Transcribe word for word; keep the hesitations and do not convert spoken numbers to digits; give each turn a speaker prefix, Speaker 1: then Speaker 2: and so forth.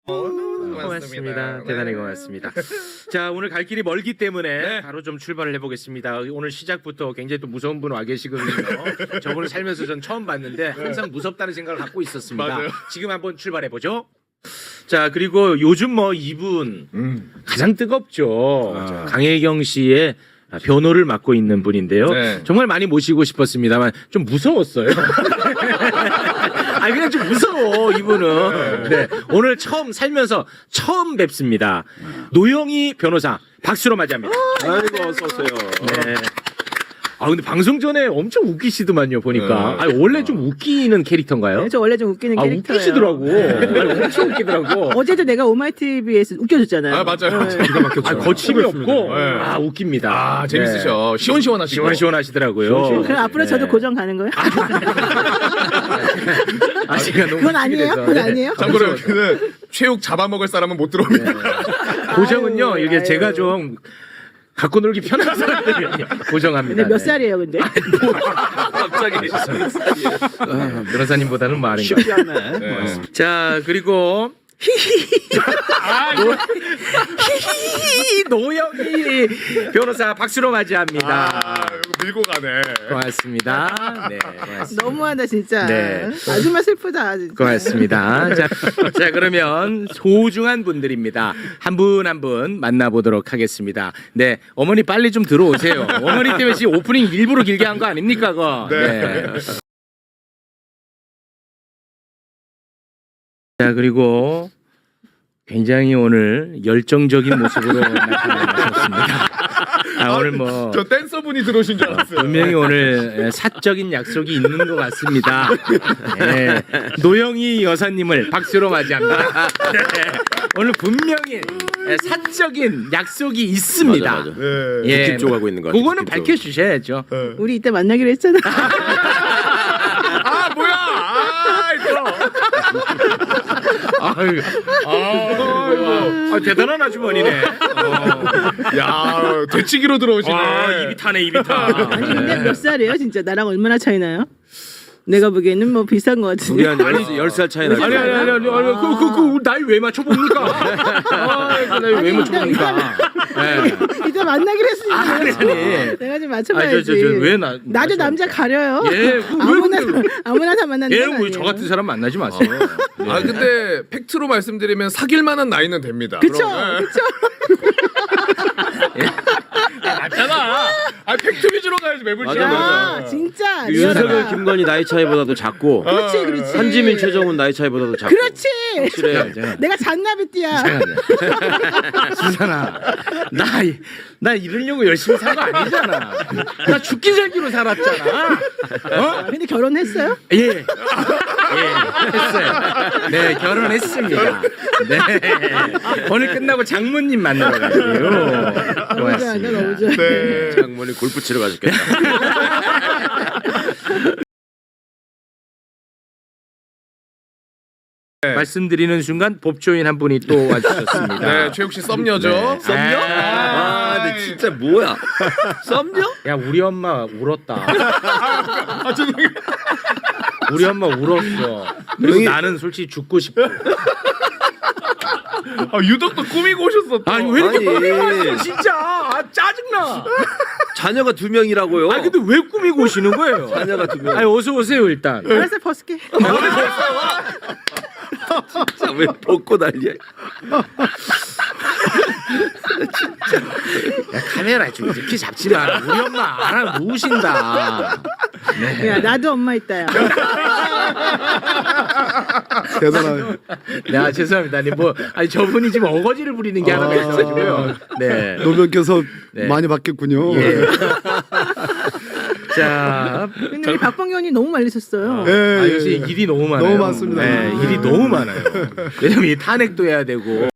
Speaker 1: 고맙습니다.
Speaker 2: 고맙습니다.
Speaker 1: 네.
Speaker 2: 대단히 고맙습니다. 자, 오늘 갈 길이 멀기 때문에
Speaker 1: 네.
Speaker 2: 바로 좀 출발을 해보겠습니다. 오늘 시작부터 굉장히 또 무서운 분 와 계시거든요. 저분을 살면서 전 처음 봤는데 항상 무섭다는 생각을 갖고 있었습니다.
Speaker 1: 맞아요.
Speaker 2: 지금 한번 출발해 보죠. 자, 그리고 요즘 뭐 이분
Speaker 1: 음.
Speaker 2: 가장 뜨겁죠.
Speaker 1: 맞아요.
Speaker 2: 강혜경 씨의 변호를 맡고 있는 분인데요.
Speaker 1: 네.
Speaker 2: 정말 많이 모시고 싶었습니다만 좀 무서웠어요. 아 그냥 좀 무서워 이분은. 네. 오늘 처음 살면서 처음 뵙습니다. 노영희 변호사 박수로 맞이합니다.
Speaker 3: 아이고 어서 오세요.
Speaker 2: 네. 아 근데 방송 전에 엄청 웃기시더만요 보니까.
Speaker 1: 네.
Speaker 2: 아 원래 좀 웃기는 캐릭터인가요?
Speaker 4: 네, 저 원래 좀 웃기는
Speaker 2: 아
Speaker 4: 캐릭터예요.
Speaker 2: 웃기시더라고. 아니, 엄청 웃기더라고.
Speaker 4: 어제도 내가 오마이티비에서 웃겨줬잖아요.
Speaker 1: 아 맞아요.
Speaker 4: 네.
Speaker 1: 기가 막혔죠.
Speaker 2: 아 거침이 없고
Speaker 1: 네.
Speaker 2: 아 웃깁니다.
Speaker 1: 아 재밌으셔. 시원시원하시고.
Speaker 2: 시원시원하시더라고요.
Speaker 1: 시원시원.
Speaker 4: 그럼 앞으로 저도
Speaker 2: 네.
Speaker 4: 고정 가는 거예요?
Speaker 2: 아 제가 너무
Speaker 4: 그건 아니에요?
Speaker 2: 웃기게 돼서.
Speaker 4: 그건
Speaker 2: 네.
Speaker 4: 아니에요?
Speaker 1: 참고로 여기는 체육 잡아먹을 사람은 못 들어옵니다.
Speaker 2: 고정은요
Speaker 4: 아유,
Speaker 2: 이게
Speaker 4: 아유.
Speaker 2: 제가 좀 갖고 놀기 편한 사람들이 고정합니다.
Speaker 4: 근데 몇
Speaker 2: 네.
Speaker 4: 살이에요, 근데?
Speaker 3: 갑자기
Speaker 2: 아, 변호사님보다는 많은 것
Speaker 3: 쉽지
Speaker 2: 같아요.
Speaker 3: 않네.
Speaker 1: 네.
Speaker 2: 자 그리고 아, 노, 히히 노영희 변호사 박수로 맞이합니다.
Speaker 1: 아 이거 밀고 가네.
Speaker 2: 고맙습니다. 네, 고맙습니다.
Speaker 4: 너무하다, 진짜.
Speaker 2: 네.
Speaker 4: 아줌마 슬프다, 진짜.
Speaker 2: 고맙습니다. 자, 자 그러면 소중한 분들입니다. 한 분 한 분 만나보도록 하겠습니다. 네, 어머니 빨리 좀 들어오세요. 어머니 때문에 지금 오프닝 일부러 길게 한 거 아닙니까, 그거?
Speaker 1: 네.
Speaker 2: 자 그리고 굉장히 오늘 열정적인 모습으로 나타나셨습니다. 아, 오늘 뭐
Speaker 1: 저 댄서분이 들어오신 줄 알았어요.
Speaker 2: 분명히 오늘 사적인 약속이 있는 것 같습니다. 네. 노영희 여사님을 박수로 맞이합니다. 네. 오늘 분명히 사적인 약속이 있습니다.
Speaker 3: 맞아, 맞아.
Speaker 1: 네.
Speaker 2: 예,
Speaker 3: 느낌 쪽하고 있는 거 같아.
Speaker 2: 그거는
Speaker 3: 느낌 쪽.
Speaker 2: 밝혀주셔야죠.
Speaker 1: 네.
Speaker 4: 우리 이때 만나기로 했잖아.
Speaker 1: 아 뭐야? 아 이거.
Speaker 2: 아유, 아유, 아, 대단한 아주머니네. 어.
Speaker 1: 야 되치기로 들어오시네.
Speaker 2: 아, 입이 타네, 입이 타.
Speaker 4: 아니, 근데 몇 살이에요, 진짜? 나랑 얼마나 차이 나요? 내가 보기에는 뭐 비슷한 것 같은데.
Speaker 3: 우리 한 열 살 차이 나죠.
Speaker 2: 아니 아니 아니 아니 아니 그 그 그 나이 왜 맞춰 봅니까? 아, 그 나이 왜
Speaker 4: 아니,
Speaker 2: 맞춰 봅니까? 네.
Speaker 4: 이때 만나기로 했으니까.
Speaker 2: 아니, 아니.
Speaker 4: 내가 좀
Speaker 2: 아니
Speaker 4: 맞춰봐야지.
Speaker 2: 저 저 왜 나?
Speaker 4: 나도 남자 가려요.
Speaker 2: 예, 그 왜
Speaker 4: 아무나
Speaker 2: 근데-
Speaker 4: 아무나 다 만나는 건
Speaker 2: 얘는
Speaker 4: 아니에요.
Speaker 2: 저 같은 사람 만나지 마세요.
Speaker 1: 아 근데 팩트로 말씀드리면 사귈 만한 나이는 됩니다.
Speaker 4: 그쵸,
Speaker 1: 그럼, 네.
Speaker 4: 그쵸.
Speaker 1: 맞잖아. 아 팩트 위주로 가야지 매불쇼.
Speaker 3: 맞아, 맞아.
Speaker 4: 야, 진짜.
Speaker 3: 그 윤석열,
Speaker 4: 리얼하다.
Speaker 3: 김건희 나이 차이보다도 작고
Speaker 4: 그렇지, 그렇지.
Speaker 3: 한지민, 최정훈 나이 차이보다도 작고.
Speaker 4: 그렇지.
Speaker 3: 확실해.
Speaker 4: 내가 잔나비띠야.
Speaker 2: 수산아, 나, 나 이러려고 열심히 산 거 아니잖아. 나 죽기 살기로 살았잖아. 어?
Speaker 4: 근데 결혼했어요?
Speaker 2: 예. 예, 했어요. 네, 결혼했습니다. 네. 오늘 끝나고 장모님 만나러 가고요.
Speaker 4: 너무 좋아한다, 너무 좋아.
Speaker 1: 네.
Speaker 3: 장모님 골프 치러 가셨겠다.
Speaker 2: 말씀드리는 순간 법조인 한 분이 또 와주셨습니다.
Speaker 1: 네 최욱 씨 썸녀죠.
Speaker 2: 네.
Speaker 3: 썸녀?
Speaker 2: 아,
Speaker 3: 아, 근데 진짜 뭐야? 썸녀?
Speaker 2: 야, 우리 엄마 울었다.
Speaker 1: 아 죄송해요.
Speaker 2: 우리 엄마 울었어. 그리고
Speaker 3: 형이-
Speaker 2: 나는 솔직히 죽고 싶고.
Speaker 1: 아 유독 또 꾸미고 오셨어. 또.
Speaker 2: 아니 왜 이렇게
Speaker 3: 아니.
Speaker 2: 꾸미고 왔어 진짜. 아, 짜증나.
Speaker 3: 자녀가 두 명이라고요.
Speaker 2: 아 근데 왜 꾸미고 오시는 거예요?
Speaker 3: 자녀가 두 명.
Speaker 2: 아니 어서 오세요 일단.
Speaker 4: 알았어, 벗을게.
Speaker 3: 진짜 왜 벗고 난리야?
Speaker 2: 야, 카메라 좀 이렇게 잡지 마라. 우리 엄마 알아 누우신다.
Speaker 4: 야, 나도 엄마 있다야.
Speaker 1: 대단하네.
Speaker 2: 네, 아, 죄송합니다. 아니 뭐 아니 저분이 지금 어거지를 부리는 게 하나가 있어가지고요. 네.
Speaker 5: 노변께서
Speaker 2: 네.
Speaker 5: 많이 바뀌었군요.
Speaker 2: 예. 자,
Speaker 4: 근데 우리 박봉현이 너무 말리셨어요.
Speaker 5: 예,
Speaker 2: 아,
Speaker 5: 예,
Speaker 2: 요새
Speaker 5: 예.
Speaker 2: 일이 너무 많아요.
Speaker 5: 너무 많습니다.
Speaker 2: 네, 일이 너무 많아요. 왜냐면 이 탄핵도 해야 되고